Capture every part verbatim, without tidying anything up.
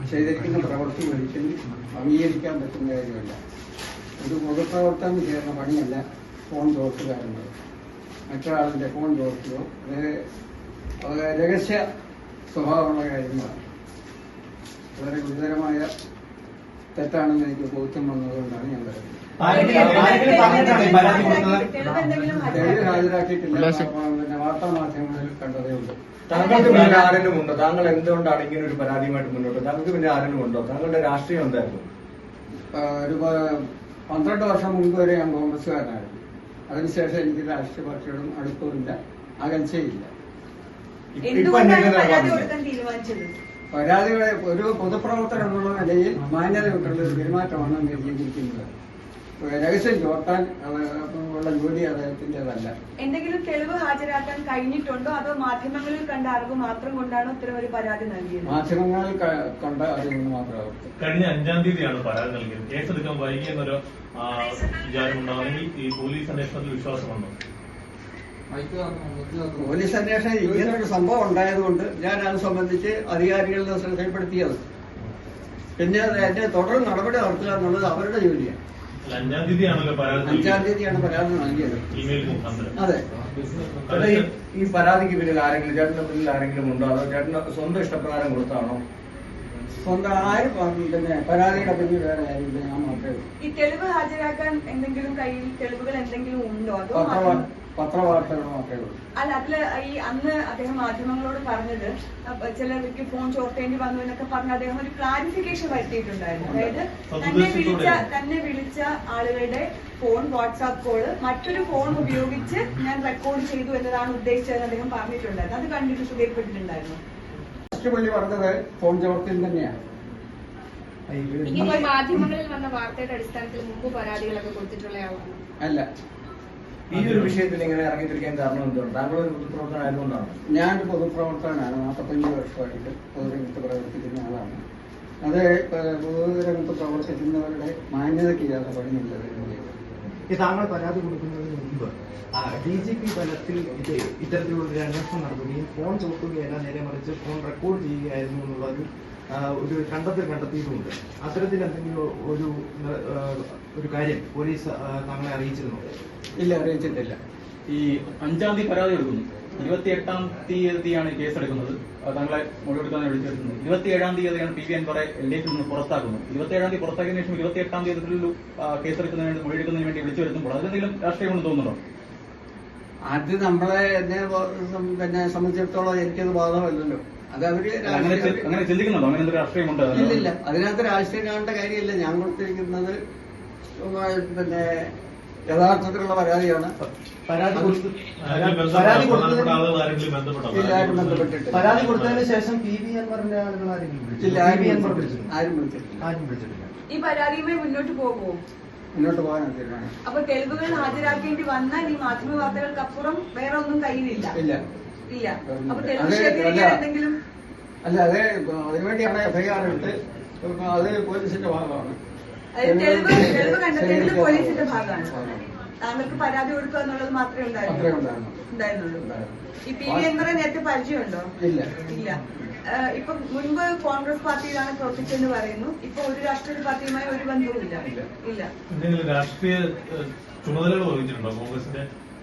ചെയ്തിരിക്കുന്ന പ്രവൃത്തി ഒരിക്കലും അംഗീകരിക്കാൻ പറ്റുന്ന കാര്യമല്ല. ഒരു പൊതുപ്രവർത്തനം ചെയ്യുന്ന പണിയല്ല ഫോൺ ചോർത്തുക എന്നത്. മറ്റൊരാളിൻ്റെ ഫോൺ ചോർത്തുകയോ അത് രഹസ്യ സ്വഭാവമുള്ള കാര്യങ്ങളാണ്. വളരെ ഗുരുതരമായ തെറ്റാണെന്ന് എനിക്ക് ബോധ്യം വന്നതുകൊണ്ടാണ് ഞാൻ പറയുന്നത്. തെളിവ് ഹാജരാക്കിയിട്ടില്ല, പിന്നെ വാർത്താ മാധ്യമങ്ങളിൽ കണ്ടതേ ഉള്ളൂ. താങ്കൾക്ക് പിന്നെ ആരെങ്കിലും ഉണ്ടോ? താങ്കൾ എന്തുകൊണ്ടാണ് ഇങ്ങനെ ഒരു പരാതിയുമായിട്ട് മുന്നോട്ട്? താങ്കൾക്ക് പിന്നെ ആരെങ്കിലും ഉണ്ടോ? താങ്കളുടെ രാഷ്ട്രീയം എന്തായിരുന്നു? ഒരു പന്ത്രണ്ട് വർഷം മുൻപ് വരെ ഞാൻ കോൺഗ്രസ്സുകാരനായിരുന്നു. അതിനുശേഷം എനിക്ക് രാഷ്ട്രീയ പാർട്ടിയോടും അടുപ്പമില്ല, അകൽച്ചയില്ല. പരാതികളെ ഒരു പൊതുപ്രവർത്തനം എന്നുള്ള നിലയിൽ മാന്യതയുള്ള ഒരു പെരുമാറ്റമാണ് ചെയ്തിരിക്കുന്നത്. രഹസ്യം ചോർത്താൻ ഉള്ള ജോലി അദ്ദേഹത്തിൻ്റെതല്ല. എന്തെങ്കിലും തെളിവ് ഹാജരാക്കാൻ കഴിഞ്ഞിട്ടുണ്ടോ, അതോ മാധ്യമങ്ങളിൽ കണ്ട അറിവ് മാത്രം കൊണ്ടാണോ ഇത്തരം ഒരു പരാതി നൽകിയത്? മാധ്യമങ്ങളിൽ കണ്ട അറിവ് മാത്രമാണ്. കഴിഞ്ഞ അഞ്ചാം തീയതിയാണ് പരാതി നൽകിയത്. കേസെടുക്കാൻ വൈകിയെന്നൊരു വിചാരമുണ്ടാണെങ്കിൽ ഈ പോലീസ് അന്വേഷണത്തിൽ വിശ്വാസമുണ്ടോ? പോലീസ് അന്വേഷണം ഇങ്ങനൊരു സംഭവം ഉണ്ടായതുകൊണ്ട് ഞാൻ അത് സംബന്ധിച്ച് അധികാരികളുടെ ശ്രദ്ധയിൽപ്പെടുത്തിയത്. പിന്നെ എന്റെ തുടർ നടപടി നടത്തുക എന്നുള്ളത് അവരുടെ ജോലിയാണ്. അഞ്ചാം തീയതിയാണല്ലോ പരാതി അഞ്ചാം തീയതിയാണ് പരാതി നൽകിയത്. അതെ. ഈ പരാതിക്ക് പിന്നിൽ ആരെങ്കിലും ചേട്ടന്റെ പിന്നിൽ ആരെങ്കിലും ഉണ്ടോ, അതോ ചേട്ടന്റെ സ്വന്തം ഇഷ്ടപ്രകാരം കൊടുത്താണോ? സ്വന്തം ആരും പിന്നെ പരാതിയുടെ പിന്നിൽ വേറെ ആരും ഞാൻ മാത്രമേ. ഈ തെളിവ് ഹാജരാക്കാൻ എന്തെങ്കിലും കയ്യിൽ തെളിവുകൾ എന്തെങ്കിലും ഉണ്ടോ, അതോ പത്രവാർത്തകൾ മാത്രമേ ഉള്ളൂ? അല്ല, അതില് ഈ അന്ന് അദ്ദേഹം മാധ്യമങ്ങളോട് പറഞ്ഞത് ചിലർക്ക് ഫോൺ ചോർത്തേണ്ടി വന്നു എന്നൊക്കെ പറഞ്ഞ് അദ്ദേഹം ഒരു ക്ലാരിഫിക്കേഷൻ വരുത്തിയിട്ടുണ്ടായിരുന്നു. അതായത് തന്നെ വിളിച്ച തന്നെ വിളിച്ച ആളുകളുടെ ഫോൺ വാട്സാപ്പ് കോള് മറ്റൊരു ഫോൺ ഉപയോഗിച്ച് ഞാൻ റെക്കോർഡ് ചെയ്തു എന്നതാണ് ഉദ്ദേശിച്ചതെന്ന് അദ്ദേഹം പറഞ്ഞിട്ടുണ്ടായിരുന്നു. അത് കണ്ടിട്ട് ശ്രദ്ധയിൽപ്പെട്ടിട്ടുണ്ടായിരുന്നു. പുള്ളി പറഞ്ഞത് ഫോൺ ചോർത്തിൽ തന്നെയാണ്. മാധ്യമങ്ങളിൽ വന്ന വാർത്തയുടെ അടിസ്ഥാനത്തിൽ മുമ്പ് പരാതികളൊക്കെ കൊടുത്തിട്ടുള്ള ആളാണ്. അല്ല, ഈ ഒരു വിഷയത്തിൽ ഇങ്ങനെ ഇറങ്ങിത്തിരിക്കാൻ കാരണം എന്തുകൊണ്ട്? താങ്കൾ ഒരു പൊതുപ്രവർത്തനം ആയതുകൊണ്ടാണ്. ഞാനൊരു പൊതുപ്രവർത്തകനാണ്. നാൽപ്പത്തഞ്ച് വർഷമായിട്ട് പൊതുരംഗത്ത് പ്രവർത്തിക്കുന്ന ആളാണ്. അത് പൊതുരംഗത്ത് പ്രവർത്തിക്കുന്നവരുടെ മാന്യതയ്ക്ക് ചേർന്ന പണിയുള്ളത്. താങ്കൾ പരാതി കൊടുക്കുന്നതിന് മുമ്പ് ഡി ജി പി തലത്തിൽ ഇത് ഇത്തരത്തിലുള്ള ഒരു അന്വേഷണം നടത്തുകയും ഫോൺ ചോർത്തുകയല്ല, നേരെ മറിച്ച് ഫോൺ റെക്കോർഡ് ചെയ്യുകയായിരുന്നു എന്നുള്ള ഒരു ഒരു കണ്ടെത്തൽ കണ്ടെത്തിയിട്ടുമുണ്ട്. അത്തരത്തിൽ എന്തെങ്കിലും ഒരു ഒരു കാര്യം പോലീസ് താങ്കളെ അറിയിച്ചിരുന്നു? ഇല്ല, അറിയിച്ചിട്ടില്ല. ഈ അഞ്ചാം തീയതി പരാതി എടുക്കുന്നു, ഇരുപത്തി എട്ടാം തീയതിയാണ് കേസെടുക്കുന്നത്. താങ്കളെ മൊഴിയെടുക്കാൻ വിളിച്ചെടുക്കുന്നത് ഇരുപത്തി ഏഴാം തീയതിയാണ് പി വി അൻവറെ എൽ ഡി എഫിൽ നിന്ന് പുറത്താക്കുന്നത്. ഇരുപത്തി ഏഴാം തീയതി പുറത്താക്കിയതിനു ശേഷം ഇരുപത്തി എട്ടാം തീയതി കേസെടുക്കുന്നതിന് വേണ്ടി മൊഴിയെടുക്കുന്നതിന് വേണ്ടി വിളിച്ചു വരുത്തുമ്പോൾ അതിലെന്തെങ്കിലും രാഷ്ട്രീയമെന്ന് തോന്നുന്നുണ്ടോ? അത് നമ്മളെ എന്നെ പിന്നെ സംബന്ധിച്ചിടത്തോളം എനിക്കത് ബാധകമല്ലല്ലോ. അത് അവര് അങ്ങനെ ചിന്തിക്കുന്നുണ്ടോ? അങ്ങനെ എന്തൊരു രാഷ്ട്രീയമുണ്ട്? ഇല്ലില്ല, അതിനകത്ത് രാഷ്ട്രീയം കാണേണ്ട കാര്യമില്ല. ഞാൻ കൊടുത്തിരിക്കുന്നത് പിന്നെ യഥാർത്ഥത്തിലുള്ള പരാതിയാണ്. പരാതി ബന്ധപ്പെട്ടിട്ട് പരാതി കൊടുത്തതിന് ശേഷം പി വി അൻവറിന്റെ ആളുകൾ ആരെങ്കിലും ആരും വിളിച്ചിട്ടില്ല. ആരും വിളിച്ചിട്ടില്ല. ഈ പരാതിയുമായി മുന്നോട്ട് പോകുമോ? മുന്നോട്ട് പോകാൻ തീരുമാനം. അപ്പൊ തെളിവുകൾ ഹാജരാക്കേണ്ടി വന്നാൽ ഈ മാധ്യമ വാർത്തകൾക്കപ്പുറം വേറെ ഒന്നും കയ്യിലില്ല. ഇല്ല ഇല്ല. അപ്പൊ തെളിവ് ശേഖരിക്കാൻ എന്തെങ്കിലും അല്ല, അത് അതിനുവേണ്ടിയാണ് എഫ്ഐആർ എടുത്ത് അത് പോലീസിന്റെ ഭാഗമാണ്. തെളിവ് തെളിവ് കണ്ടെത്തേണ്ടത് പോലീസിന്റെ ഭാഗമാണ്. താങ്കൾക്ക് പരാതി കൊടുക്കുക എന്നുള്ളത് മാത്രമേ ഉണ്ടായിരുന്നുള്ളൂ. ഈ പി വി അൻവറെ നേരത്തെ പരിചയമുണ്ടോ? ഇല്ല ഇല്ല. ഇപ്പൊ മുൻപ് കോൺഗ്രസ് പാർട്ടിയിലാണ് പ്രവർത്തിച്ചെന്ന് പറയുന്നു. ഇപ്പൊ ഒരു രാഷ്ട്രീയ പാർട്ടിയുമായി ഒരു ബന്ധവും ഇല്ല. ഇല്ല. എന്തെങ്കിലും രാഷ്ട്രീയ ചുമതലകൾ വഹിച്ചിട്ടുണ്ടോ കോൺഗ്രസിന്റെ?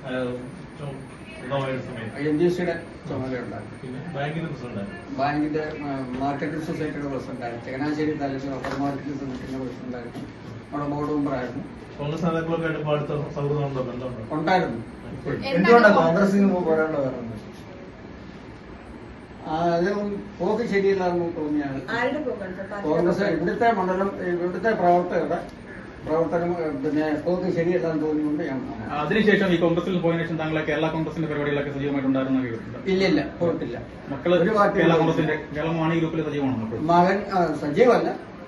എൻ ഡി സിയുടെ ചുമതലയുണ്ടായിരുന്നു. പിന്നെ ബാങ്കിന്റെ പ്രസിഡന്റായിരുന്നു. ബാങ്കിന്റെ മാർക്കറ്റിംഗ് സൊസൈറ്റിയുടെ പ്രസിഡന്റായിരുന്നു. ചങ്ങനാശ്ശേരി താലൂക്ക് അപ്പർ മാർക്കറ്റിംഗ് സൊസൈറ്റിയുടെ പ്രസിഡന്റായിരുന്നു. അവിടെ ബോർഡ് മെമ്പറായിരുന്നു. കോൺഗ്രസ് നേതാക്കളൊക്കെ ആയിട്ട് അടുത്ത സൗഹൃദമുണ്ടോ, ബന്ധമുണ്ടോ? ഉണ്ടായിരുന്നു. എന്തുകൊണ്ടാണ് കോൺഗ്രസിന് പോരാണ്ട് വരുന്നത്? അത് പോക്ക് ശരിയല്ലാന്ന് തോന്നിയാണ്. കോൺഗ്രസ് ഇവിടുത്തെ മണ്ഡലം ഇവിടുത്തെ പ്രവർത്തകരുടെ പ്രവർത്തനം പിന്നെ പോക്ക് ശരിയല്ലാന്ന് തോന്നിയുകൊണ്ട് ഞാൻ. അതിനുശേഷം ഈ കോൺഗ്രസിൽ പോയതിനു ശേഷം താങ്കളെ കേരള കോൺഗ്രസിന്റെ പരിപാടികളൊക്കെ സജീവമായിട്ടുണ്ടായിരുന്ന കേട്ടിട്ടുണ്ട്? ഇല്ലില്ല, പോയിട്ടില്ല. മക്കള് ഒരു കേരള കോൺഗ്രസിന്റെ കേരള മാണി ഗ്രൂപ്പിൽ സജീവമാണോ? മകൻ സജീവല്ല,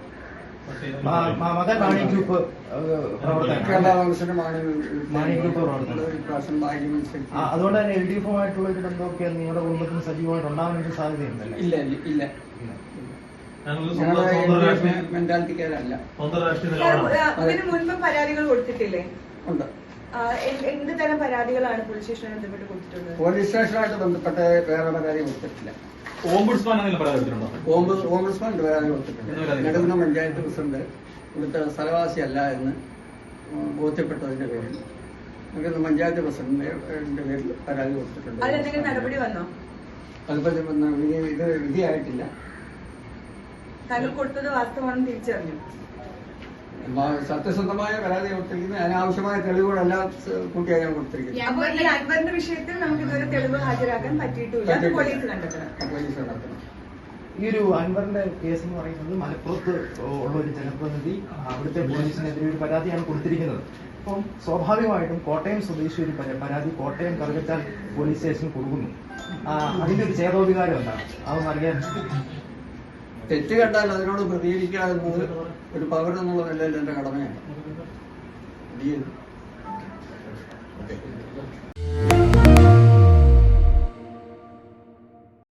മകൻ മാണി ഗ്രൂപ്പ് കേരള കോൺഗ്രസിന്റെ മാണി മാണി ഗ്രൂപ്പ് പ്രവർത്തനം. അതുകൊണ്ട് തന്നെ എൽ ഡി എഫുമായിട്ടുള്ള ഒരു ബന്ധമൊക്കെ നിങ്ങളുടെ കുടുംബത്തിന് സജീവമായിട്ട് ഉണ്ടാകാൻ സാധ്യതയുണ്ടല്ലോ? ഇല്ല ഇല്ല മെന്റാലിറ്റിക്കാരല്ല. ഇതിനു മുൻപ് പരാതികൾ കൊടുത്തിട്ടില്ലേ? ഉണ്ട്. എന്ത് തരം പരാതികളാണ് പോലീസ് സ്റ്റേഷനുമായി ബന്ധപ്പെട്ട് കൊടുത്തിട്ടുള്ളത്? പോലീസ് സ്റ്റേഷനുമായിട്ട് ബന്ധപ്പെട്ട് വേറെ പരാതി കൊടുത്തിട്ടില്ല. ഓംബുഡ്സ്മാൻ എന്തെങ്കിലും പരാതി കൊടുത്തിട്ടുണ്ടോ? ഓംബ് ഓംബുഡ്സ്മാൻ പരാതി കൊടുത്തിട്ടുണ്ട്. എന്ന് പരാതി നെടുകുന്നം പഞ്ചായത്ത് പ്രസിഡന്റ് ഇവിടുത്തെ സ്ഥലവാസിയല്ല എന്ന് ബോധ്യപ്പെട്ടതിന്റെ പേരിൽ നെടുകുന്നം പഞ്ചായത്ത് പ്രസിഡന്റിന്റെ പേരിൽ പരാതി കൊടുത്തിട്ടുണ്ട്. അതിലെന്തെങ്കിലും നടപടി വന്നോ? അതിപ്പോ വിധി- ഇത് വിധിയായിട്ടില്ല. താങ്കൾ കൊടുത്തത് വാസ്തവമാണെന്ന് തിരിച്ചറിഞ്ഞു. മ- സത്യസന്ധമായ പരാതി കൊടുത്തിരിക്കുന്നത് അനാവശ്യമായ തെളിവുകളെല്ലാം സ് കൂട്ടിയാണ് ഞാൻ കൊടുത്തിരിക്കുന്നത്. അപ്പൊ ഈ അൻവറിന്റെ വിഷയത്തിൽ നമുക്ക് ഇതുവരെ തെളിവ് ഹാജരാക്കാൻ പറ്റിയിട്ടില്ല. അത് പോലീസ് കണ്ടെത്തണം. പോലീസ് നടത്തണം. ഈ ഒരു അൻവറിന്റെ കേസ് എന്ന് പറയുന്നത് മലപ്പുറത്ത് ഉള്ള ഒരു ജനപ്രതിനിധി അവിടുത്തെ പോലീസിനെതിരെ ഒരു പരാതിയാണ് കൊടുത്തിരിക്കുന്നത്. അപ്പം സ്വാഭാവികമായിട്ടും കോട്ടയം സ്വദേശി ഒരു പര- പരാതി കോട്ടയം കറുകച്ചാൽ പോലീസ് സ്റ്റേഷനിൽ കൊടുക്കുന്നു. ആ, അതിന്റെ ഒരു ചേതോവികാരം എന്താണ് അതൊന്നും അറിയാൻ? തെറ്റ് കണ്ടാൽ അതിനോട് പ്രതികരിക്കുക എന്നത് ഒരു പൗരൻ എന്നുള്ള നിലയിൽ എന്റെ കടമയാണ്. ഈ